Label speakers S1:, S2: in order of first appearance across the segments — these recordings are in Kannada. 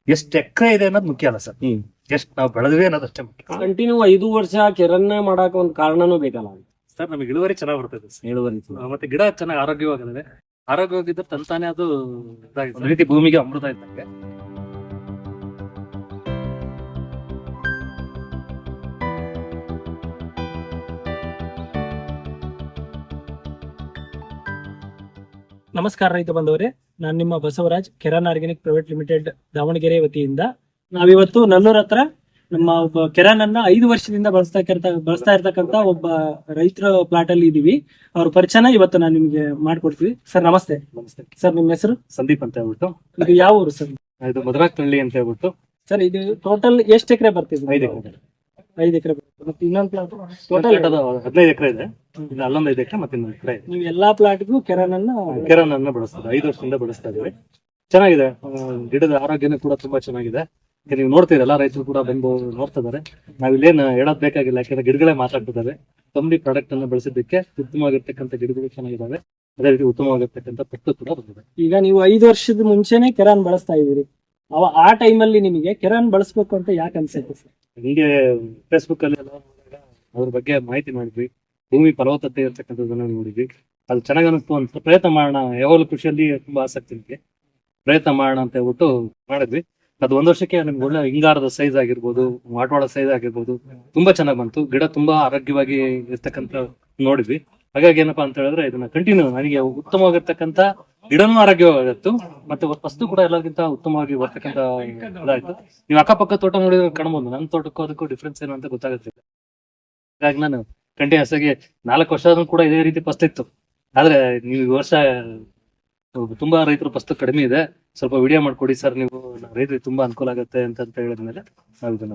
S1: ಎಷ್ಟು ಎಕರೆ ಇದೆ ಅನ್ನೋದು ಮುಖ್ಯ ಅಲ್ಲ ಸರ್. ಎಷ್ಟು ನಾವು ಬೆಳೆದ್ವಿ ಅನ್ನೋದು ಅಷ್ಟೇ ಮುಖ್ಯ
S2: ಕಂಟಿನ್ಯೂ 5 ವರ್ಷ ಕಿರಣ್ಣ ಮಾಡಾಕ ಒಂದು ಕಾರಣನೂ ಬೇಕಲ್ಲ
S1: ಸರ್. ನಮಗೆ ಇಳುವರಿ ಚೆನ್ನಾಗಿ ಬರ್ತದೆ ಸರ್.
S2: ಇಳುವರಿ.
S1: ಮತ್ತೆ ಗಿಡ ಚೆನ್ನಾಗಿ ಆರೋಗ್ಯವಾಗಿದೆ. ಆರೋಗ್ಯವಾಗಿದ್ದರೆ ತಂತಾನೆ ಅದು ಇದಾಗಿದೆ. ಒಂದು ರೀತಿ ಭೂಮಿಗೆ ಅಮೃತ ಇದ್ದಂಗೆ.
S3: ನಮಸ್ಕಾರ ರೈತ ಬಂದವರೇ, ನಾನು ನಿಮ್ಮ ಬಸವರಾಜ್, ಕೆರಾನ್ ಆರ್ಗ್ಯಾನಿಕ್ ಪ್ರೈವೇಟ್ ಲಿಮಿಟೆಡ್ ದಾವಣಗೆರೆ ವತಿಯಿಂದ ನಾವಿವತ್ತು ನಲ್ಲೂರ್ ಹತ್ರ ನಮ್ಮ ಒಬ್ಬ ಕೆರಾನ್ ಅನ್ನ 5 ವರ್ಷದಿಂದ ಬಳಸ್ತಾ ಇರ್ತಕ್ಕಂತ ಒಬ್ಬ ರೈತರ ಪ್ಲಾಟ್ ಅಲ್ಲಿ ಇದೀವಿ. ಅವ್ರ ಪರಿಚಯನ ಇವತ್ತು ನಾನು ನಿಮ್ಗೆ ಮಾಡ್ಕೊಡ್ತೀವಿ. ಸರ್ ನಮಸ್ತೆ.
S1: ನಮಸ್ತೆ
S3: ಸರ್, ನಿಮ್ಮ ಹೆಸರು?
S1: ಸಂದೀಪ್ ಅಂತ ಹೇಳ್ಬಿಟ್ಟು.
S3: ಇದು ಯಾವ ಊರು ಸರ್?
S1: ಇದು ಮಧುರಾಕ್ನಹಳ್ಳಿ ಅಂತ ಹೇಳ್ಬಿಟ್ಟು.
S3: ಸರ್, ಇದು ಟೋಟಲ್ ಎಷ್ಟು ಎಕರೆ ಬರ್ತಿದೆ?
S1: 5 ಎಕರೆ.
S3: 5 ಎಕರೆ ಬರ್ತದೆ. ಮತ್ತೆ ಇನ್ನೊಂದು ಪ್ಲಾಟ್
S1: ಟೋಟಲ್ 15 ಎಕರೆ ಇದೆ. ಇದು ಅಲ್ಲೊಂದು 5 ಎಕರೆ ಮತ್ತೆ ಇನ್ನೊಂದು ಎಕರೆ ಇದೆ.
S3: ನೀವು ಎಲ್ಲಾ ಪ್ಲಾಟ್ಗೂ ಕೆರಾನ್
S1: ಕೆರಾನ್ ಬಳಸ್ತಾರೆ. 5 ವರ್ಷದಿಂದ ಬಳಸ್ತಾ ಇದೀವಿ. ಚೆನ್ನಾಗಿದೆ. ಗಿಡದ ಆರೋಗ್ಯನೂ ಕೂಡ ತುಂಬಾ ಚೆನ್ನಾಗಿದೆ. ನೀವು ನೋಡ್ತೀರಿ, ಎಲ್ಲಾ ರೈತರು ಕೂಡ ಬಂದು ನೋಡ್ತಾ ಇದಾರೆ. ನಾವಿಲ್ಲೇನು ಹೇಳೋದ್ ಬೇಕಾಗಿಲ್ಲ, ಯಾಕಂದ್ರೆ ಗಿಡಗಳೇ ಮಾತಾಡ್ತಿದ್ದಾವೆ. ಕಂಪ್ನಿ ಪ್ರಾಡಕ್ಟ್ ಅನ್ನ ಬಳಸಿದ್ದಕ್ಕೆ ಉತ್ತಮವಾಗಿರ್ತಕ್ಕಂಥ ಗಿಡಗಳು ಚೆನ್ನಾಗಿದ್ದಾವೆ. ಅದೇ ರೀತಿ ಉತ್ತಮವಾಗಿರ್ತಕ್ಕಂಥ ಪಟ್ಟು ಕೂಡ ಬಂದಿದೆ.
S3: ಈಗ ನೀವು 5 ವರ್ಷದ ಮುಂಚೆನೆ ಕೆರಾನ್ ಬಳಸ್ತಾ ಇದೀರಿ. ಆ ಟೈಮಲ್ಲಿ ನಿಮಗೆ ಕೆರಾನ್ ಬಳಸ್ಬೇಕು ಅಂತ ಯಾಕೆ ಅನ್ಸುತ್ತೆ ಸರ್?
S1: ಹಿಂಗೆ ಫೇಸ್ಬುಕ್ ಅಲ್ಲಿ ಎಲ್ಲ ಅದ್ರ ಬಗ್ಗೆ ಮಾಹಿತಿ ಮಾಡಿದ್ವಿ. ಭೂಮಿ ಫಲವತ್ತತೆ ಇರ್ತಕ್ಕಂಥದ್ದನ್ನ ನೋಡಿದ್ವಿ. ಅದು ಚೆನ್ನಾಗಿ ಅನಿಸ್ತು ಅಂತ ಪ್ರಯತ್ನ ಮಾಡೋಣ. ಯಾವಾಗಲೂ ಕೃಷಿಯಲ್ಲಿ ತುಂಬಾ ಆಸಕ್ತಿ ನನಗೆ. ಪ್ರಯತ್ನ ಮಾಡೋಣ ಅಂತ ಹೇಳ್ಬಿಟ್ಟು ಮಾಡಿದ್ವಿ. ಅದು 1 ವರ್ಷಕ್ಕೆ ನಮ್ಗೆ ಒಳ್ಳೆ ಹಿಂಗಾರದ ಸೈಜ್ ಆಗಿರ್ಬೋದು, ಮಾಟವಾಳ ಸೈಜ್ ಆಗಿರ್ಬೋದು, ತುಂಬಾ ಚೆನ್ನಾಗಿ ಬಂತು. ಗಿಡ ತುಂಬಾ ಆರೋಗ್ಯವಾಗಿ ಇರ್ತಕ್ಕಂಥ ನೋಡಿದ್ವಿ. ಹಾಗಾಗಿ ಏನಪ್ಪಾ ಅಂತ ಹೇಳಿದ್ರೆ ಇದನ್ನ ಕಂಟಿನ್ಯೂ ನನಗೆ ಉತ್ತಮವಾಗಿರ್ತಕ್ಕಂಥ ಗಿಡನೂ ಆರೋಗ್ಯವಾಗಿತ್ತು, ಮತ್ತೆ ವಸ್ತು ಕೂಡ ಎಲ್ಲರಿಗಿಂತ ಉತ್ತಮವಾಗಿ ಬರ್ತಕ್ಕಂಥ ಇದಾಯ್ತು. ನೀವು ಅಕ್ಕಪಕ್ಕ ತೋಟ ನೋಡಿದ್ರೆ ಕಾಣ್ಬೋದು. ನನ್ನ ತೋಟಕ್ಕೂ ಅದಕ್ಕೂ ಡಿಫ್ರೆನ್ಸ್ ಏನು ಅಂತ ಗೊತ್ತಾಗುತ್ತಿಲ್ಲ. ಹಾಗಾಗಿ ನಾನು ಕಂಟಿನ್ಯೂಸ್ ಆಗಿ 4 ವರ್ಷ ಕೂಡ ಇದೇ ರೀತಿ ಫಸ್ಟ್ ಇತ್ತು. ಆದ್ರೆ ನೀವು ಈ ವರ್ಷ ತುಂಬಾ ರೈತರು ಫಸ್ಟ್ ಕಡಿಮೆ ಇದೆ, ಸ್ವಲ್ಪ ವಿಡಿಯೋ ಮಾಡ್ಕೊಡಿ ಸರ್ ನೀವು, ರೈತರಿಗೆ ತುಂಬಾ ಅನುಕೂಲ ಆಗುತ್ತೆ ಅಂತ ಹೇಳಿದ್ಮೇಲೆ ನಾವು ಇದನ್ನ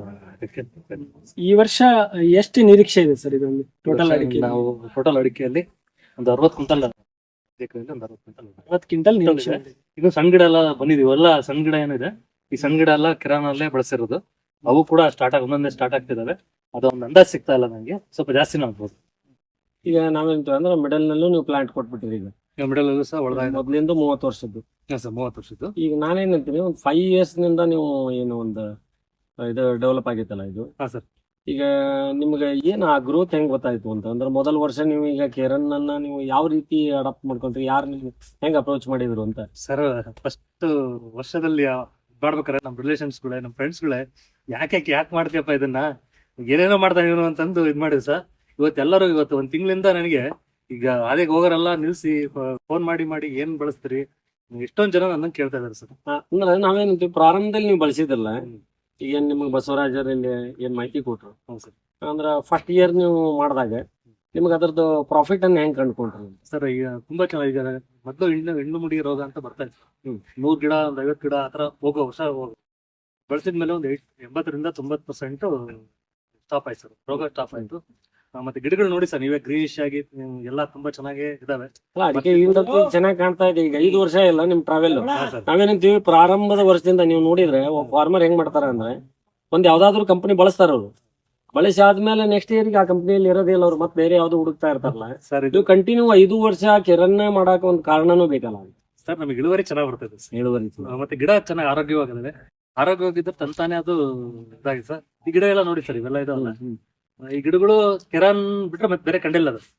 S3: ಈ ವರ್ಷ ಎಷ್ಟು ನಿರೀಕ್ಷೆ ಇದೆ ಸರ್ ಇದೊಂದು ಟೋಟಲ್ ಅಡಿಕೆ?
S1: ನಾವು ಟೋಟಲ್ ಅಡಿಕೆಯಲ್ಲಿ ಒಂದು 60 ಕ್ವಿಂಟಲ್, ಒಂದು
S3: 60 ಕ್ವಿಂಟಲ್ ನಿರೀಕ್ಷೆ.
S1: ಇದು ಸಣ್ಣ ಗಿಡ ಎಲ್ಲ ಬಂದಿದೀವಿ. ಎಲ್ಲ ಸಣ್ಣ ಗಿಡ ಏನಿದೆ, ಈ ಸಣ್ಣ ಗಿಡ ಎಲ್ಲ ಕಿರಾನಲ್ಲೇ ಬಳಸಿರೋದು. ಅವು ಕೂಡ ಒಂದೊಂದೇ ಸ್ಟಾರ್ಟ್ ಆಗ್ತಿದಾವೆ. ಅದೊಂದು ಅಂದಾಜ್ ಸಿಗ್ತಾ ಇಲ್ಲ ನಂಗೆ, ಸ್ವಲ್ಪ ಜಾಸ್ತಿನೂ ಆಗ್ಬೋದು.
S2: ಈಗ ನಾವೇಂತ ಅಂದ್ರೆ ಮಿಡಲ್ ನಲ್ಲೂ ನೀವು ಪ್ಲಾಂಟ್ ಕೊಟ್ಬಿಟ್ಟಿರಿ. ಈಗ
S1: ಮಿಡಲ್ ಸಹ ಒಳಗೆ
S2: ಮೊದ್ಲಿಂದ 30 ವರ್ಷದ್ದು.
S1: 30 ವರ್ಷದ್ದು.
S2: ಈಗ ನಾನೇನಂತೀನಿ, ಒಂದು 5 years ನಿಂದ ನೀವು ಏನು ಒಂದು ಇದು ಡೆವಲಪ್ ಆಗೈತಲ್ಲ ಇದು.
S1: ಸರ್,
S2: ಈಗ ನಿಮ್ಗೆ ಏನ್ ಆ ಗ್ರೋತ್ ಹೆಂಗ್ ಗೊತ್ತಾಯ್ತು ಅಂತ ಅಂದ್ರೆ, ಮೊದಲ ವರ್ಷ ನೀವು ಈಗ ಕೆರನ್ ಅನ್ನ ನೀವು ಯಾವ ರೀತಿ ಅಡಾಪ್ಟ್ ಮಾಡ್ಕೊಂಡ್ರಿ, ಯಾರು ನೀವು ಹೆಂಗ್ ಅಪ್ರೋಚ್ ಮಾಡಿದ್ರು ಅಂತ?
S1: ಸರ್, ಫಸ್ಟ್ ವರ್ಷದಲ್ಲಿ ಮಾಡ್ಬೇಕಾರೆ ನಮ್ಮ ರಿಲೇಷನ್ಸ್ಗಳೇ, ನಮ್ಮ ಫ್ರೆಂಡ್ಸ್ಗಳೇ ಯಾಕೆ ಮಾಡ್ತೀಯಪ್ಪ ಇದನ್ನ, ಏನೇನೋ ಮಾಡ್ತಾ ಇವನು ಅಂತಂದು ಇದ್ ಮಾಡಿದ್ರು ಸರ್. ಇವತ್ತು 1 ತಿಂಗಳಿಂದ ನನಗೆ ಈಗ ಅದೇ ಹೋಗೋರೆಲ್ಲ ನಿಲ್ಸಿ ಫೋನ್ ಮಾಡಿ ಏನ್ ಬಳಸ್ತೀರಿ, ಎಷ್ಟೊಂದ್ ಜನ ನನ್ನ ಕೇಳ್ತಾ ಇದಾರೆ ಸರ್.
S2: ಅಂದ್ರೆ ನಾವೇನಂತೀವಿ, ಪ್ರಾರಂಭದಲ್ಲಿ ನೀವು ಬಳಸಿದ್ರಲ್ಲ, ಈಗ ನಿಮ್ಗೆ ಬಸವರಾಜರಲ್ಲಿ ಏನ್ ಮಾಹಿತಿ ಕೊಟ್ರು ಅಂದ್ರ ಫಸ್ಟ್ ಇಯರ್ ನೀವು ಮಾಡಿದಾಗ ನಿಮ್ಗೆ ಅದ್ರದ್ದು ಪ್ರಾಫಿಟ್ ಅನ್ನ ಹೆಂಗ್ ಕಂಡುಕೊಂಡ್ರಿ
S1: ಸರ್? ಈಗ ತುಂಬಾ ಚೆನ್ನಾಗಿ, ಈಗ ಮೊದಲು ಹೆಣ್ಣು ಮುಡಿ ರೋಗ ಅಂತ ಬರ್ತಾ ಇತ್ತು. 100 ಗಿಡ, 50 ಗಿಡ ಆತರ ಹೋಗೋ ವರ್ಷ ಬಳಸಿದ್ಮೇಲೆ ಒಂದು 80-90% ಸ್ಟಾಪ್ ಆಯ್ತು ಸರ್. ರೋಗ ಸ್ಟಾಪ್ ಆಯ್ತು. ಮತ್ತೆ ಗಿಡಗಳು ನೋಡಿ ಸರ್, ನೀವೇ ಗ್ರೀನಿಶ್ ಆಗಿ ಎಲ್ಲ ತುಂಬಾ ಚೆನ್ನಾಗಿ ಇದಾವೆ.
S2: ಅಡಿಕೆ ಚೆನ್ನಾಗಿ ಕಾಣ್ತಾ ಇದೆ. ಈಗ 5 ವರ್ಷ ಇಲ್ಲ ನಿಮ್ ಟ್ರಾವೆಲ್. ನಾವೇನಂತೀವಿ, ಪ್ರಾರಂಭದ ವರ್ಷದಿಂದ ನೀವು ನೋಡಿದ್ರೆ ಫಾರ್ಮರ್ ಹೆಂಗ್ ಮಾಡ್ತಾರ ಅಂದ್ರೆ, ಒಂದ್ ಯಾವ್ದಾದ್ರು ಕಂಪನಿ ಬಳಸ್ತಾರ ಅವ್ರು. ಬಳಸಿ ಆದ್ಮೇಲೆ ನೆಕ್ಸ್ಟ್ ಇಯರ್ ಆ ಕಂಪನಿಯಲ್ಲಿ ಇರೋದಿಲ್ಲ, ಅವ್ರು ಮತ್ತೆ ಬೇರೆ ಯಾವ್ದು ಹುಡುಕ್ತಾ ಇರ್ತಾರಲ್ಲ
S1: ಸರ್.
S2: ಇದು ಕಂಟಿನ್ಯೂ 5 ವರ್ಷ ಕೆರನ್ನ ಮಾಡಾಕ ಒಂದು ಕಾರಣನೂ ಬೇಕಲ್ಲ
S1: ಸರ್. ನಮಗೆ ಇಳುವರಿ ಚೆನ್ನಾಗಿ ಬರ್ತದೆ ಸರ್.
S2: ಇಳುವರಿ
S1: ಮತ್ತೆ ಗಿಡ ಚೆನ್ನಾಗಿ ಆರೋಗ್ಯವಾಗಿದೆ. ಆರೋಗ್ಯವಾಗಿದ್ದರೆ ತಂತಾನೆ ಅದು ಇದಾಗಿದೆ ಸರ್. ಈ ಗಿಡ ಎಲ್ಲ ನೋಡಿ ಸರ್, ಇವೆಲ್ಲ ಇದಾವಲ್ಲ, ಈ ಗಿಡಗಳು ಕೆರಾನ್ ಬಿಟ್ರೆ ಮತ್ತೆ ಬೇರೆ ಕಂಡಿಲ್ಲ ಅದು.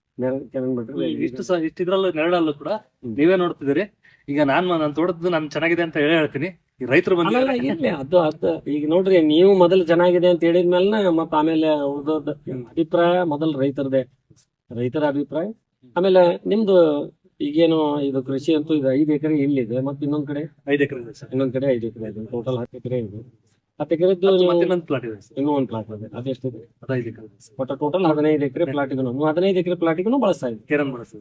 S1: ಇಷ್ಟು ಇದ್ರಲ್ಲೂ ನೆರಳಲ್ಲೂ ಕೂಡ ನೀವೇ ನೋಡ್ತಿದ್ದೀರಿ. ಈಗ ನನ್ನ ತೋಟದ್ದು ನಾನು ಚೆನ್ನಾಗಿದೆ ಅಂತ ಹೇಳ್ತೀನಿ. ಈ ರೈತರು
S2: ಅದು ಈಗ ನೋಡ್ರಿ, ನೀವು ಮೊದಲು ಚೆನ್ನಾಗಿದೆ ಅಂತ ಹೇಳಿದ್ಮೇಲೆ ಮತ್ತ ಆಮೇಲೆ ಉಳಿದೋದ ಅಭಿಪ್ರಾಯ ಮೊದಲು ರೈತರ ಅಭಿಪ್ರಾಯ. ಆಮೇಲೆ ನಿಮ್ದು ಈಗೇನು ಇದು ಕೃಷಿ ಅಂತೂ ಇದು 5 ಎಕರೆ ಇಲ್ಲಿದೆ, ಮತ್ತೆ ಇನ್ನೊಂದ್ ಕಡೆ
S1: 5 ಎಕರೆ ಇದೆ ಸರ್.
S2: ಇನ್ನೊಂದ್ ಕಡೆ 5 ಎಕರೆ ಇದೆ. ಟೋಟಲ್ 10 ಎಕರೆ ಇದೆ. 10 ಎಕರೆದ್ದು
S1: ಇನ್ನೊಂದು ಪ್ಲಾಟ್ ಇದೆ ಸರ್.
S2: ಇನ್ನೂ ಒಂದು ಪ್ಲಾಟ್ ಇದೆ. ಅದೆಷ್ಟಿದೆ?
S1: 5 ಎಕರೆ.
S2: ಒಟ್ಟು ಟೋಟಲ್ 15 ಎಕರೆ ಪ್ಲಾಟಿಗೂ 15 ಎಕರೆ ಪ್ಲಾಟಿಗೂ ಬಳಸ್ತಾ ಇದ್ದೀವಿ.
S1: ಕೆರನ್ ಬಳಸ್ತೀವಿ.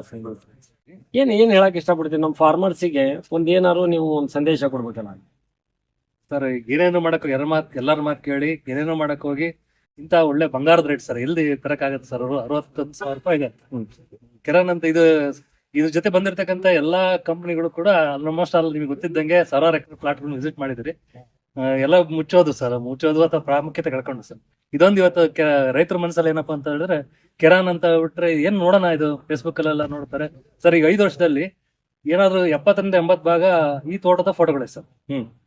S2: ಏನ್ ಹೇಳಕ್ ಇಷ್ಟಪಡ್ತೀನಿ ನಮ್ಮ ಫಾರ್ಮರ್ಸಿಗೆ, ಒಂದ್ ಏನಾರು ನೀವು ಒಂದು ಸಂದೇಶ ಕೊಡ್ಬೇಕಲ್ಲ
S1: ಸರ್? ಏನೇನೋ ಮಾಡಕ್ ಎಲ್ಲಾರ ಮಾತು ಕೇಳಿ ಏನೇನೋ ಮಾಡಕ್ ಹೋಗಿ ಇಂತ ಒಳ್ಳೆ ಬಂಗಾರದ ರೇಟ್ ಸರ್ ಎಲ್ಲಿ ತರಕಾಗತ್ತೆ ಸರ್? 61,000 ರೂಪಾಯಿ ಇದೆ ಕೆರನ್ ಅಂತ. ಇದ್ರ ಜೊತೆ ಬಂದಿರತಕ್ಕಂತ ಎಲ್ಲಾ ಕಂಪನಿಗಳು ಕೂಡ ಆಲ್ಮೋಸ್ಟ್ ಆಲ್ ನಿಮ್ಗೆ ಗೊತ್ತಿದ್ದಂಗೆ 1000 ಎಕರೆ ಪ್ಲಾಟ್ ವಿಸಿಟ್ ಮಾಡಿದ್ರಿ. ಎಲ್ಲ ಮುಚ್ಚೋದು ಅಥವಾ ಪ್ರಾಮುಖ್ಯತೆ ಕಳ್ಕೊಂಡು ಸರ್. ಇದೊಂದು ಇವತ್ತು ರೈತರ ಮನಸ್ಸಲ್ಲಿ ಏನಪ್ಪಾ ಅಂತ ಹೇಳಿದ್ರೆ, ಕೆರಾನ್ ಅಂತ ಬಿಟ್ರೆ ಏನ್ ನೋಡೋಣ, ಇದು ಫೇಸ್ಬುಕ್ ಅಲ್ಲೆಲ್ಲ ನೋಡ್ತಾರೆ ಸರ್. ಈಗ 5 ವರ್ಷದಲ್ಲಿ ಏನಾದ್ರು 70-80 ಭಾಗ ಈ ತೋಟದ ಫೋಟೋಗಳೇ ಸರ್.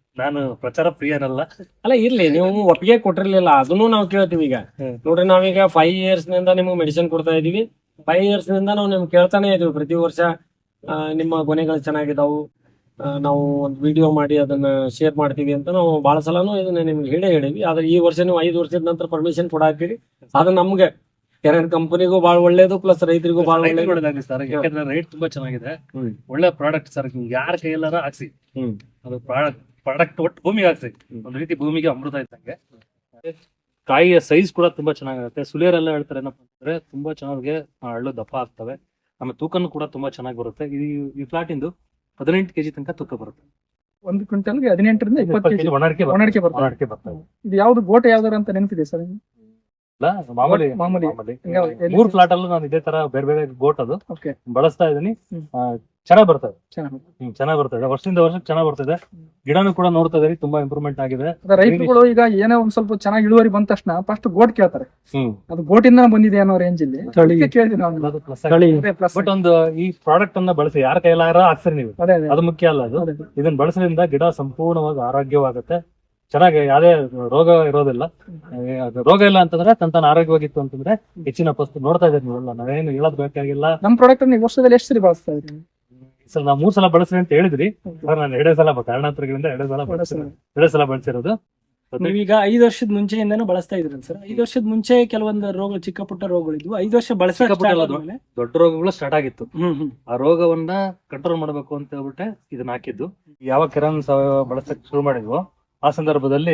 S1: ನಾನು ಪ್ರಚಾರ ಪ್ರಿಯನಲ್ಲ.
S2: ಅಲ್ಲ ಇರ್ಲಿ, ನೀವು ಒಪ್ಪಿಗೆ ಕೊಟ್ಟಿರ್ಲಿಲ್ಲ, ಅದನ್ನು ನಾವು ಕೇಳ್ತೀವಿ ಈಗ. ನೋಡ್ರಿ, ನಾವೀಗ 5 years ನಿಂದ ನಿಮ್ಗೆ ಮೆಡಿಸಿನ್ ಕೊಡ್ತಾ ಇದೀವಿ. 5 years ನಿಂದ ನಾವು ನಿಮ್ಗೆ ಕೇಳ್ತಾನೆ ಇದೀವಿ ಪ್ರತಿ ವರ್ಷ. ನಿಮ್ಮ ಕೊನೆಗಳು ಚೆನ್ನಾಗಿದಾವು, ನಾವು ಒಂದು ವಿಡಿಯೋ ಮಾಡಿ ಅದನ್ನ ಶೇರ್ ಮಾಡ್ತೀವಿ ಅಂತ ನಾವು ಬಹಳ ಸಲನೂ ಇದನ್ನ ನಿಮ್ಗೆ ಹೇಳಿವಿ. ಆದ್ರೆ ಈ ವರ್ಷ ನೀವು 5 ವರ್ಷದ ನಂತರ ಪರ್ಮಿಷನ್ ಕೊಡಾಕ್ತೀರಿ. ಅದು ನಮ್ಗೆ ಕೆರೆನ್ ಕಂಪನಿಗೂ ಬಹಳ ಒಳ್ಳೇದು, ಪ್ಲಸ್ ರೈತರಿಗೂ ಬಹಳ ಒಳ್ಳೇದು
S1: ಸರ್. ಯಾಕಂದ್ರೆ ರೇಟ್ ತುಂಬಾ ಚೆನ್ನಾಗಿದೆ, ಒಳ್ಳೆ ಪ್ರಾಡಕ್ಟ್ ಸರ್. ಯಾರ ಕೈಯಲ್ಲಾರ ಹಾಕ್ಸಿ, ಅದು ಪ್ರಾಡಕ್ಟ್ ಒಟ್ಟು ಭೂಮಿಗೆ ಹಾಕ್ಸಿ. ಒಂದ್ ರೀತಿ ಭೂಮಿಗೆ ಅಮೃತ ಇದ್ದಂಗೆ. ಕಾಯಿಯ ಸೈಜ್ ಕೂಡ ತುಂಬಾ ಚೆನ್ನಾಗಿರುತ್ತೆ. ಸುಳಿಯರೆಲ್ಲ ಹೇಳ್ತಾರೆ ಏನಪ್ಪಾ ಅಂದ್ರೆ ತುಂಬಾ ಚೆನ್ನಾಗಿ ಹಳ್ಳು ದಪ್ಪ ಆಗ್ತವೆ, ಆಮೇಲೆ ತೂಕನು ಕೂಡ ತುಂಬಾ ಚೆನ್ನಾಗಿ ಬರುತ್ತೆ. ಈ ಫ್ಲಾಟ್ ಇಂದು 18 kg ತನಕ ತೂಕ ಬರುತ್ತೆ.
S3: 1 ಕ್ವಿಂಟಲ್ಗೆ 18 ರಿಂದ 20 kg
S1: ಒಣಡಿಕೆ ಬರ್ತವೆ.
S3: ಇದು ಯಾವ್ದು ಗೋಟೆ ಯಾವ್ದಾರ ಅಂತ ನೆನಪಿದೆ ಸರ್?
S1: ಮಾಮೂಲಿ
S3: ಮಾಮೂಲಿ
S1: 3 ಫ್ಲಾಟ್ ಅಲ್ಲೂ ನಾನು ಇದೇ ತರ ಬೇರೆ ಬೇರೆ ಗೋಟ್ ಅದು
S3: ಓಕೆ
S1: ಬಳಸ್ತಾ ಇದೀನಿ. ಚೆನ್ನಾಗ್ ಬರ್ತದೆ,
S3: ಚೆನ್ನಾಗಿ
S1: ಚೆನ್ನಾಗ್ ಬರ್ತದೆ. ವರ್ಷದಿಂದ ವರ್ಷಕ್ಕೆ ಚೆನ್ನಾಗ್ ಬರ್ತದೆ. ಗಿಡನು ಕೂಡ ನೋಡ್ತಾ ಇದೀರಿ, ತುಂಬಾ ಇಂಪ್ರೂವ್ಮೆಂಟ್ ಆಗಿದೆ.
S3: ರೈತರುಗಳು ಈಗ ಏನೋ ಒಂದ್ ಸ್ವಲ್ಪ ಚೆನ್ನಾಗಿ ಇಳುವರಿ ಬಂದ ತಕ್ಷಣ ಫಸ್ಟ್ ಗೋಟ್ ಕೇಳ್ತಾರೆ. ಅದು ಗೋಟಿಂದ ಬಂದಿದೆ ಅನ್ನೋ ರೇಂಜ್ ಇಲ್ಲಿ ಕೇಳಿದ್ವಿ ನಾವು.
S1: ಬಟ್ ಒಂದು ಈ ಪ್ರಾಡಕ್ಟ್ ಅನ್ನ ಬಳಸಿ ಯಾರ ಕೈಲಾರ ಹಾಕ್ಸರಿ ನೀವು, ಅದು ಮುಖ್ಯ ಅಲ್ಲ. ಅದು ಇದನ್ನ ಬಳಸೋದ್ರಿಂದ ಗಿಡ ಸಂಪೂರ್ಣವಾಗಿ ಆರೋಗ್ಯವಾಗುತ್ತೆ, ಚೆನ್ನಾಗಿ ಯಾವ್ದೇ ರೋಗ ಇರೋದಿಲ್ಲ. ರೋಗ ಇಲ್ಲ ಅಂತಂದ್ರೆ ತನ್ನ ಆರೋಗ್ಯವಾಗಿತ್ತು ಅಂತಂದ್ರೆ ಹೆಚ್ಚಿನ ಪಸ್ತು ನೋಡ್ತಾ ಇದ್ದೀವಿ ನೀವೆಲ್ಲ, ನಾವೇನು ಹೇಳೋದ್ ಬೇಕಾಗಿಲ್ಲ.
S3: ನಮ್ ಪ್ರಾಡಕ್ಟ್ ನೀವು ವರ್ಷದಲ್ಲಿ ಎಷ್ಟು ಸರಿ ಬಳಸ್ತಾ ಇದ್ರಿ?
S1: ಸರ್ ನಾವು 3 ಸಲ ಬಳಸ್ರಿ ಅಂತ ಹೇಳಿದ್ರಿ ಸರ್. ನಾನು 2 ಸಲ ಕಾರಣಾಂತರಗಳಿಂದ 2 ಸಲ ಬಳಸಿರೋದು.
S3: ನೀವೀಗ 5 ವರ್ಷದ ಮುಂಚೆಯಿಂದಾನು ಬಳಸ್ತಾ ಇದ್ರಲ್ಲ ಸರ್? 5 ವರ್ಷದ ಮುಂಚೆ ಕೆಲವೊಂದು ರೋಗ, ಚಿಕ್ಕ ಪುಟ್ಟ ರೋಗಗಳಿದ್ವು. 5 ವರ್ಷ
S1: ದೊಡ್ಡ ರೋಗಗಳು ಸ್ಟಾರ್ಟ್ ಆಗಿತ್ತು. ಆ ರೋಗವನ್ನ ಕಂಟ್ರೋಲ್ ಮಾಡ್ಬೇಕು ಅಂತ ಹೇಳ್ಬಿಟ್ಟೆ ಇದನ್ನ ಹಾಕಿದ್ದು. ಯಾವ ಕೆರಾನ್ ಸಾವಯವ ಬಳಸಕ್ ಶುರು ಮಾಡಿದ್ವು ಆ ಸಂದರ್ಭದಲ್ಲಿ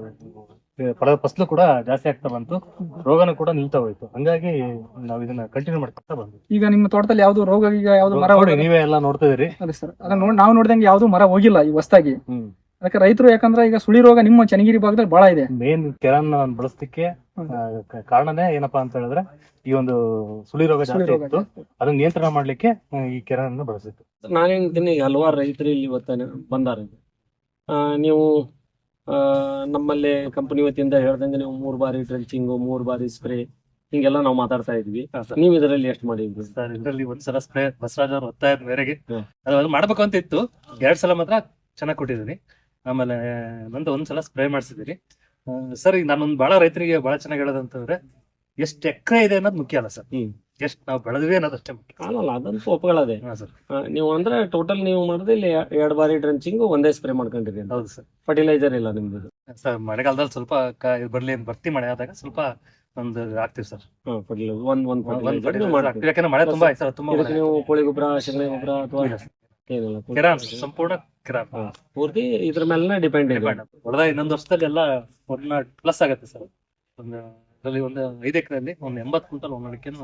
S1: ಫಸಲು ಕೂಡ ಜಾಸ್ತಿ ಆಗ್ತಾ ಬಂತು, ರೋಗನೂ ಕೂಡ ನಿಲ್ತಾ ಹೋಯ್ತು. ಹಂಗಾಗಿ ನಾವ್ ಇದನ್ನ ಕಂಟಿನ್ಯೂ ಮಾಡ್ತಾ ಬಂದ್ವಿ. ಈಗ ನಿಮ್ಮ ತೋಟದಲ್ಲಿ ಯಾವ್ದು ರೋಗ, ಈಗ ಯಾವ್ದು ಮರ ನೀವೇ ಎಲ್ಲ ನೋಡ್ತಾ ಇದೀರಿ. ಅದೇ ಸರ್, ಅದನ್ನ ನಾವು ನೋಡಿದಂಗೆ ಯಾವ್ದು ಮರ ಹೋಗಿಲ್ಲ ಈ ಹೊಸದಾಗಿ. ಅದಕ್ಕೆ ರೈತರು, ಯಾಕಂದ್ರೆ ಈಗ ಸುಳಿ ರೋಗ ನಿಮ್ಮ ಚನ್ನಗಿರಿ ಭಾಗದಲ್ಲಿ ಬಹಳ ಇದೆ. ಮೇನ್ ಕೆರಾನ್ ಬಳಸಲಿಕ್ಕೆ ಕಾರಣನೇ ಏನಪ್ಪಾ ಅಂತ ಹೇಳಿದ್ರೆ ಈ ಒಂದು ಸುಳಿ ರೋಗ ಜಾಸ್ತಿ ಇತ್ತು, ಅದನ್ನ ನಿಯಂತ್ರಣ ಮಾಡ್ಲಿಕ್ಕೆ ಈ ಕೆರಾನ್ ಬಳಸಿತ್ತು.
S2: ನಾನೇಂತೀನಿ, ಹಲವಾರು ರೈತರು ಇಲ್ಲಿ ಇವತ್ತ ಬಂದಾರ. ನೀವು ನಮ್ಮಲ್ಲಿ ಕಂಪನಿ ವತಿಯಿಂದ ಹೇಳ್ದಂಗೆ ನೀವು 3 ಬಾರಿ ಡ್ರೆಂಚಿಂಗು, 3 ಬಾರಿ ಸ್ಪ್ರೇ, ಹಿಂಗೆಲ್ಲ ನಾವು ಮಾತಾಡ್ತಾ ಇದ್ವಿ. ನೀವು ಇದರಲ್ಲಿ ಎಷ್ಟು ಮಾಡಿದ್ವಿ
S1: ಸರ್? ಇದರಲ್ಲಿ ಒಂದ್ಸಲ ಸ್ಪ್ರೇ ಬಸವರಾಜ್ ಅವ್ರ ಒತ್ತಾಯದ ಮೇರೆಗೆ ಅದು ಮಾಡ್ಬೇಕು ಅಂತ ಇತ್ತು. 2 ಸಲ ಮಾತ್ರ ಚೆನ್ನಾಗಿ ಕೊಟ್ಟಿದ್ದೀನಿ. ಆಮೇಲೆ ಒಂದ್ಸಲ ಸ್ಪ್ರೇ ಮಾಡಿಸಿದಿರಿ ಸರ್. ಈಗ ನಾನೊಂದು ಬಹಳ ರೈತರಿಗೆ ಬಹಳ ಚೆನ್ನಾಗಿ ಹೇಳೋದಂತಂದ್ರೆ ಎಷ್ಟು ಎಕರೆ ಇದೆ ಅನ್ನೋದು ಮುಖ್ಯ ಅಲ್ಲ ಸರ್, ಎಷ್ಟು ನಾವು ಬೆಳೆದ್ವಿ ಅನ್ನೋದು ಅಷ್ಟೇ ಮುಖ್ಯ.
S2: ಅಲ್ಲಲ್ಲ, ಅದಂತೂ ಒಪ್ಪಗಳದೆ. ನೀವು ಅಂದ್ರೆ ಟೋಟಲ್ ನೀವು ಮಾಡಿದ್ರೆ ಇಲ್ಲಿ 2 ಬಾರಿ ಡ್ರೆಂಚಿಂಗ್, ಒಂದೇ ಸ್ಪ್ರೇ ಮಾಡ್ಕೊಂಡಿರಿ.
S1: ಹೌದು ಸರ್.
S2: ಫರ್ಟಿಲೈಸರ್ ಇಲ್ಲ ನಿಮ್ದು
S1: ಸರ್? ಮಳೆಗಾಲದಲ್ಲಿ ಸ್ವಲ್ಪ ಬರ್ತಿ ಮಳೆ ಆದಾಗ ಸ್ವಲ್ಪ ಒಂದು ಹಾಕ್ತಿವಿ ಸರ್. ಯಾಕಂದ್ರೆ ಮಳೆ ತುಂಬಾ
S2: ನೀವು ಕೋಳಿ ಗೊಬ್ಬರ, ಶಗಣಿ ಗೊಬ್ಬರ ಅಥವಾ
S1: ಕೆರಾನ್, ಸಂಪೂರ್ಣ ಕೆರಾನ್
S2: ಪೂರ್ತಿ ಇದ್ರ ಮೇಲೆ ಡಿಪೆಂಡ್ ಇದೆ.
S1: ಹೊಡೆದ ಇನ್ನೊಂದು ವರ್ಷದಲ್ಲಿ ಎಲ್ಲ 1 ಪ್ಲಸ್ ಆಗುತ್ತೆ ಸರ್. ಒಂದು 5 ಎಕರೆಯಲ್ಲಿ 80 ಕ್ವಿಂಟಲ್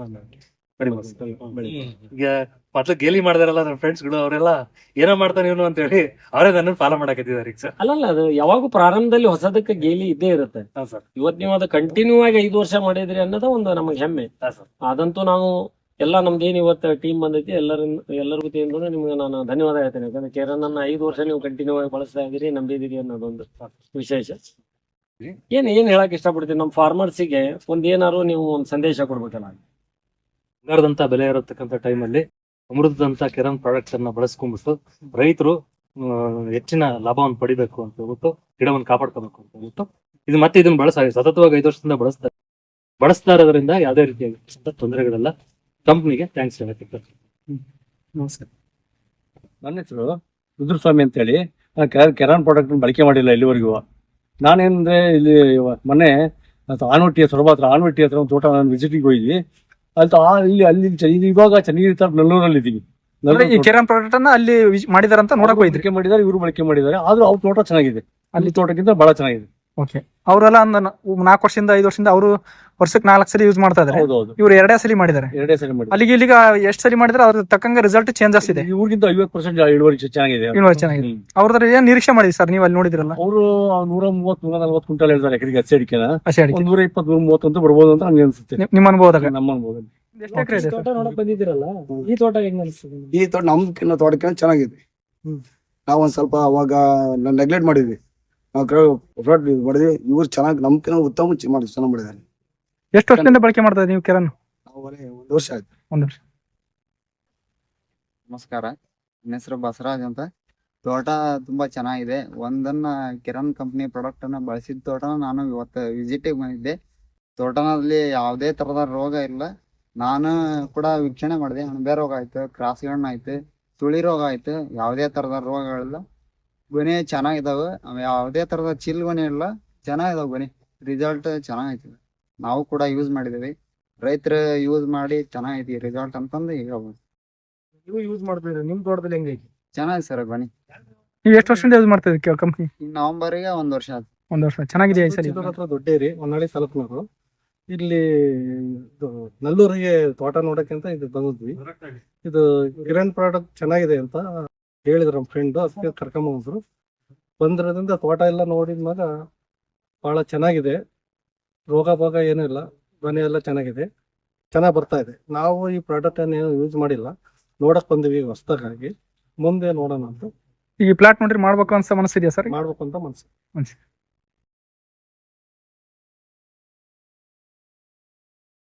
S1: ಈಗ ಮೊದ್ಲು ಗೇಲಿ ಮಾಡಿದಾರಲ್ಲ ನನ್ನ ಫ್ರೆಂಡ್ಸ್ ಗಳು, ಅವರೆಲ್ಲ ಏನೋ ಮಾಡ್ತಾನೆ ಇವನು ಅಂತ ಹೇಳಿ ಅವರೇ ನನ್ನ ಫಾಲೋ ಮಾಡಕತ್ತಿದ್ದಾರೆ ಸರ್.
S2: ಅಲ್ಲಲ್ಲ, ಅದು ಯಾವಾಗ ಪ್ರಾರಂಭದಲ್ಲಿ ಹೊಸದಕ್ಕೆ ಗೇಲಿ ಇದ್ದೇ ಇರುತ್ತೆ
S1: ಸರ್.
S2: ಇವತ್ತು ನೀವು ಅದು ಕಂಟಿನ್ಯೂ ಆಗಿ 5 ವರ್ಷ ಮಾಡಿದ್ರಿ ಅನ್ನೋದು ಒಂದು ನಮಗೆ ಹೆಮ್ಮೆ. ಅದಂತೂ ನಾವು ಎಲ್ಲ ನಮ್ದೇನು ಇವತ್ತು ಟೀಮ್ ಬಂದೈತಿ, ಎಲ್ಲರ ವತಿಯಿಂದ ನಿಮ್ಗೆ ನಾನು ಧನ್ಯವಾದ ಹೇಳ್ತೇನೆ. ಯಾಕಂದ್ರೆ ಕೆರಾನ್ ಅನ್ನ 5 ವರ್ಷ ನೀವು ಕಂಟಿನ್ಯೂ ಆಗಿ ಬಳಸ್ತಾ ಇದ್ದೀರಿ, ನಂಬಿದಿರಿ ಅನ್ನೋದೊಂದು ವಿಶೇಷ. ಏನ್ ಹೇಳಕ್ ಇಷ್ಟಪಡ್ತೀನಿ ನಮ್ಮ ಫಾರ್ಮರ್ಸಿಗೆ, ಏನಾರು ನೀವು ಒಂದು ಸಂದೇಶ ಕೊಡ್ಬೇಕಲ್ಲ.
S1: ಬಂಗಾರದಂತ ಬೆಲೆ ಇರತಕ್ಕಂಥ ಟೈಮಲ್ಲಿ ಅಮೃತದಂತ ಕೆರಾನ್ ಪ್ರಾಡಕ್ಟ್ಸ್ ಅನ್ನ ಬಳಸ್ಕೊಂಡ್ಬಿಟ್ಟು ರೈತರು ಹೆಚ್ಚಿನ ಲಾಭವನ್ನು ಪಡಿಬೇಕು ಅಂತ ಹೇಳ್ಬಿಟ್ಟು, ಗಿಡವನ್ನು ಕಾಪಾಡ್ಕೋಬೇಕು ಅಂತ ಹೇಳ್ಬಿಟ್ಟು ಇದನ್ನ ಸತತವಾಗಿ 5 ವರ್ಷದಿಂದ ಬಳಸ್ತಾ ಇರೋದ್ರಿಂದ ಯಾವುದೇ ರೀತಿಯಾಗಿ ತೊಂದರೆಗಳೆಲ್ಲ. ಕಂಪ್ನಿಗೆ ಥ್ಯಾಂಕ್ಸ್ ಹೇಳಕ್ಕೆ.
S3: ನಮಸ್ಕಾರ.
S4: ನನ್ನ ಹೆಸರು ರುದ್ರಸ್ವಾಮಿ ಅಂತ ಹೇಳಿ. ಕೆರಾನ್ ಪ್ರಾಡಕ್ಟ್ ಬಳಕೆ ಮಾಡಿಲ್ಲ ಇಲ್ಲಿವರೆಗೂ. ನಾನೇನಂದ್ರೆ ಇಲ್ಲಿ ಮೊನ್ನೆ ಆನವಟ್ಟಿ ಹತ್ರ ಒಂದು ತೋಟ ನಾನು ವಿಸಿಟಿಗೆ ಹೋಗಿದ್ವಿ. ಅಲ್ಲಿ ಇವಾಗ ಚನ್ನಗಿರಿ ನಲ್ಲೂರಲ್ಲಿ ಇದ್ದೀವಿ.
S3: ಈ ಕೆರಾನ್ ಪ್ರಾಡಕ್ಟ್ ಅನ್ನ ಅಲ್ಲಿ ಮಾಡಿದಾರೆ ಅಂತ ನೋಡಕ್ ಹೋಗಿದ್ರಿ?
S4: ಬಳಕೆ ಮಾಡಿದ್ದಾರೆ, ಇವರು ಬಳಕೆ ಮಾಡಿದ್ದಾರೆ. ಆದ್ರೂ ಅವ್ರ ತೋಟ ಚೆನ್ನಾಗಿದೆ, ಅಲ್ಲಿ ತೋಟಕ್ಕಿಂತ ಬಹಳ ಚೆನ್ನಾಗಿದೆ.
S3: ಓಕೆ. ಅವರೆಲ್ಲ 4 ವರ್ಷದಿಂದ 5 ವರ್ಷದಿಂದ ಅವರು ವರ್ಷಕ್ಕೆ 4 ಸಲ ಯೂಸ್ ಮಾಡ್ತಾ ಇದ್ದಾರೆ. ಇವ್ರು 2 ಸಲ ಮಾಡಿದ್ದಾರೆ.
S4: 2 ಸಲ ಮಾಡಿ
S3: ಅಲ್ಲಿಗೆ ಇಲ್ಲಿಗ ಎಷ್ಟು ಸಲ ಮಾಡಿದ್ರೆ ಅದ್ರ ತಕ್ಕಂಗೆ ರಿಸಲ್ಟ್ ಚೇಂಜಸ್ ಇದೆ.
S4: ಇವ್ರಿಗಿಂತ 50% ಇಳುವರಿ ಚೆನ್ನಾಗಿದೆ.
S3: ಅವ್ರದ್ರ ಏನ್ ನಿರೀಕ್ಷೆ ಮಾಡಿದ್ರಿ ಸರ್ ನೀವು ಅಲ್ಲಿ ನೋಡಿದ್ರಲ್ಲ?
S4: ಅವರು 130-140 ಕ್ವಿಂಟಲ್ ಹೇಳ್ತಾರೆ ಎಕರೆಗೆ. ಹಸಿ ಅಡಿಕೆನ 120-130 ಅಂತ ಬರ್ಬೋದು ಅಂತ ನಮ್ಗೆ ಅನ್ಸುತ್ತೆ.
S3: ನಿಮ್ಮ ಅನುಭವದಾಗ?
S4: ನಮ್ಮ ಅನುಭವದಲ್ಲಿ.
S3: ತೋಟ ನೋಡಕ್ ಬಂದಿದ್ದೀರಲ್ಲ, ಈ ತೋಟ ಹೆಂಗ್ ಅನ್ಸುತ್ತೆ?
S5: ಈ ತೋಟ ನಮ್ಕಿನ್ನ ತೋಟಕ್ಕೆ ಚೆನ್ನಾಗಿದೆ. ನಾವೊಂದ್ ಸ್ವಲ್ಪ ಅವಾಗ ನೆಗ್ಲೆಕ್ಟ್ ಮಾಡಿದ್ವಿ, ನಾವು ಮಾಡಿದ್ವಿ. ಇವ್ರು ಚೆನ್ನಾಗಿ ನಮ್ಕಿನ್ನ ಉತ್ತಮ ಚೆನ್ನಾಗಿ ಮಾಡಿದ್ದಾರೆ.
S3: ಎಷ್ಟು ವರ್ಷದಿಂದ ಬಳಕೆ ಮಾಡ್ತಾ ನೀವು ಕೆರಾನ್?
S5: 1 ವರ್ಷ ಆಯ್ತು.
S3: 1 ವರ್ಷ.
S6: ನಮಸ್ಕಾರ, ನನ್ನ ಹೆಸರು ಬಸವರಾಜ್ ಅಂತ. ತೋಟ ತುಂಬಾ ಚೆನ್ನಾಗಿದೆ. ಒಂದನ್ನ ಕಿರಣ್ ಕಂಪ್ನಿ ಪ್ರಾಡಕ್ಟ್ ಅನ್ನ ಬಳಸಿದ ತೋಟನ ನಾನು ಇವತ್ತು ವಿಸಿಟಿಗೆ ಬಂದಿದ್ದೆ. ತೋಟನಲ್ಲಿ ಯಾವುದೇ ತರದ ರೋಗ ಇಲ್ಲ. ನಾನು ಕೂಡ ವೀಕ್ಷಣೆ ಮಾಡಿದೆ. ಅಣಬೆ ರೋಗ ಆಯ್ತು, ಕ್ರಾಸ್ ಗಣ್ಣ ಆಯ್ತು, ತುಳಿ ರೋಗ ಆಯ್ತು, ಯಾವುದೇ ತರದ ರೋಗಗಳಿಲ್ಲ. ಗೊನೆ ಚೆನ್ನಾಗಿದಾವೆ, ಯಾವುದೇ ತರದ ಚಿಲ್ ಗೊನೆ ಇಲ್ಲ, ಚೆನ್ನಾಗಿದಾವೆ ಗೊನೆ. ರಿಸಲ್ಟ್ ಚೆನ್ನಾಗೈತಿ. ನಾವು ಕೂಡ ಯೂಸ್ ಮಾಡಿದ್ದೀವಿ. ರೈತರು ಯೂಸ್ ಮಾಡಿ ಚೆನ್ನಾಗೈತಿ ರಿಸಲ್ಟ್ ಅಂತಂದು ಹೇಳ್ಬೋದು.
S3: ನೀವು ಯೂಸ್ ಮಾಡ್ತಿದ್ರಿ, ನಿಮ್ ತೋಟದಲ್ಲಿ ಹೆಂಗೈತಿ?
S6: ಚೆನ್ನಾಗಿದೆ ಸರ್ ಗೊನೆ.
S3: ನೀವು ಎಷ್ಟು ವರ್ಷದಿಂದ ಯೂಸ್ ಮಾಡ್ತಾ ಇದ್ದೀರಿ ಕಂಪ್ನಿ?
S6: ಈ ನವೆಂಬರ್ಗೆ 1 ವರ್ಷ ಆಯ್ತು.
S3: ಒಂದ್ ವರ್ಷ. ಚೆನ್ನಾಗಿದೆ ಈ ಸರಿ?
S4: ಚಿತ್ತೂರ್ ಹತ್ರ ದೊಡ್ಡೇರಿ, ಹೊನ್ನಾಳಿ ತಾಲೂಕಿನವರು. ಇಲ್ಲಿ ನಲ್ಲೂರಿಗೆ ತೋಟ ನೋಡಕ್ಕಿಂತ ಇದು ಬಂದಿದ್ವಿ. ಇದು ಕಿರಣ್ ಪ್ರಾಡಕ್ಟ್ ಚೆನ್ನಾಗಿದೆ ಅಂತ ಹೇಳಿದ್ರು ನಮ್ಮ ಫ್ರೆಂಡ್, ಅದಕ್ಕೆ ಕರ್ಕೊಂಬಂದ್ರು. ಬಂದಿರೋದ್ರಿಂದ ತೋಟ ಎಲ್ಲ ನೋಡಿದ್ಮ್ಯಾಗ ಬಹಳ ಚೆನ್ನಾಗಿದೆ. ರೋಗ ಭೋಗ ಏನೂ ಇಲ್ಲ, ಮನೆ ಎಲ್ಲ ಚೆನ್ನಾಗಿದೆ, ಚೆನ್ನಾಗಿ ಬರ್ತಾ ಇದೆ. ನಾವು ಈ ಪ್ರಾಡಕ್ಟ್ ಅನ್ನು ಯೂಸ್ ಮಾಡಿಲ್ಲ, ನೋಡಕ್ ಬಂದಿವಿ ಹೊಸದಾಗಿ. ಮುಂದೆ ನೋಡೋಣ ಅಂತ
S3: ಈಗ ಪ್ಲಾಟ್ ನೋಡ್ರಿ ಮಾಡ್ಬೇಕು ಅನ್ಸ ಮನಸ್ಸಿದೆಯಾ ಸರ್?
S4: ಮಾಡ್ಬೇಕು ಅಂತ ಮನ್ಸು.